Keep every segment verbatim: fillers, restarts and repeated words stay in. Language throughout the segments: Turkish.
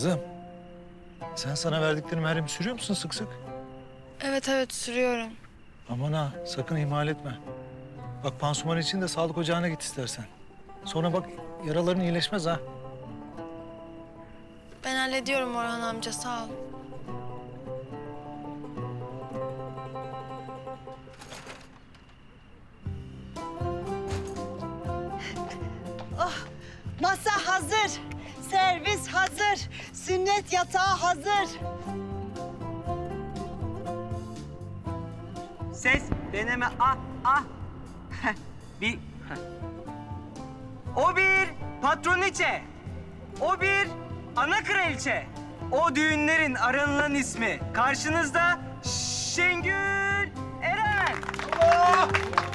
Kızım, sen sana verdiklerim her sürüyor musun sık sık? Evet evet sürüyorum. Aman ha, sakın ihmal etme. Bak pansuman için de sağlık ocağına git istersen. Sonra bak yaraların iyileşmez ha. Ben hallediyorum Orhan amca, sağ ol. Masa hazır, servis hazır, sünnet yatağı hazır. Ses, deneme, ah, ah. bir... O bir patroniçe. O bir ana kraliçe. O düğünlerin aranılan ismi. Karşınızda Şengül Eren. Allah!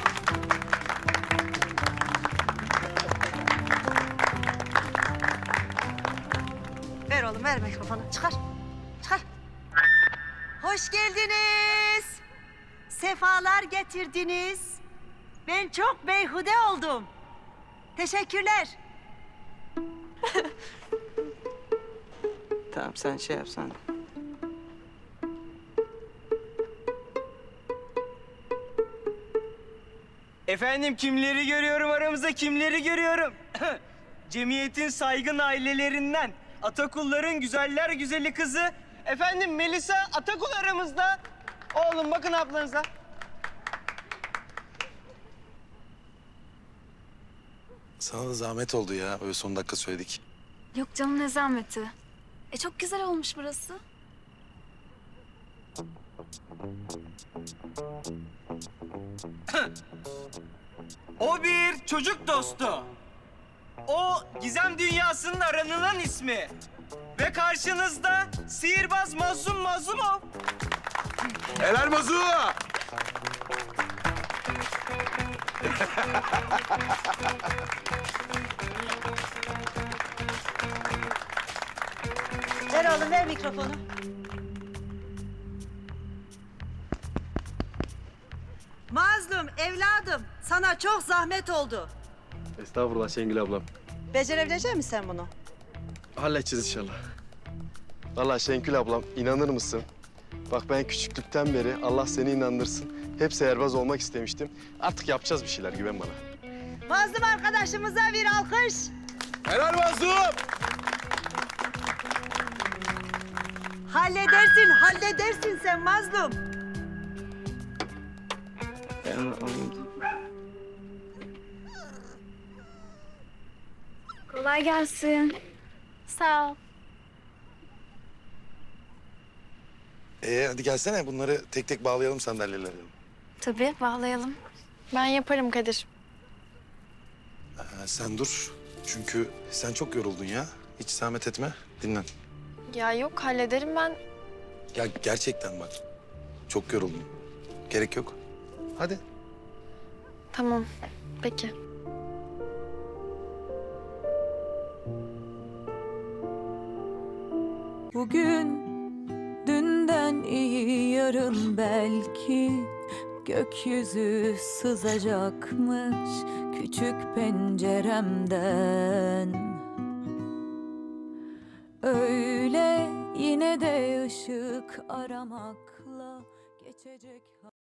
Ver oğlum, ver mikrofonu. Çıkar, çıkar. Hoş geldiniz. Sefalar getirdiniz. Ben çok beyhude oldum. Teşekkürler. Tamam, sen şey yapsan. Efendim, kimleri görüyorum aramızda, kimleri görüyorum? Cemiyetin saygın ailelerinden, Atakulların güzeller güzeli kızı. Efendim, Melisa Atakul aramızda. Oğlum bakın ablanıza. Sana da zahmet oldu ya. Öyle son dakika söyledik. Yok canım, ne zahmeti. E çok güzel olmuş burası. O bir çocuk dostu. O gizem dünyasının aranılan ismi. Ve karşınızda sihirbaz Mazlum Mazlumov. Helal Mazu! Ver oğlum, ver mikrofonu. Mazlum, evladım, sana çok zahmet oldu. Estağfurullah Şengül ablam. Becerebilecek misin sen bunu? Halledeceğiz inşallah. Vallahi Şengül ablam, inanır mısın? Bak ben küçüklükten beri Allah seni inandırsın. Hep seherbaz olmak istemiştim. Artık yapacağız bir şeyler, güven bana. Mazlum arkadaşımıza bir alkış. Helal Mazu! Halledersin, halledersin sen Mazlum. Ben alayım. Kolay gelsin. Sağ ol. Ee hadi gelsene bunları tek tek bağlayalım sandalyelere. Tabii, bağlayalım. Ben yaparım Kadir. Ha, sen dur. Çünkü sen çok yoruldun ya. Hiç zahmet etme. Dinlen. Ya yok, hallederim ben. Ya gerçekten bak. Çok yoruldun. Gerek yok. Hadi. Tamam, peki. Bugün dünden iyi, yarın belki gökyüzü sızacakmış küçük penceremden. Öyle yine de ışık aramakla geçecek.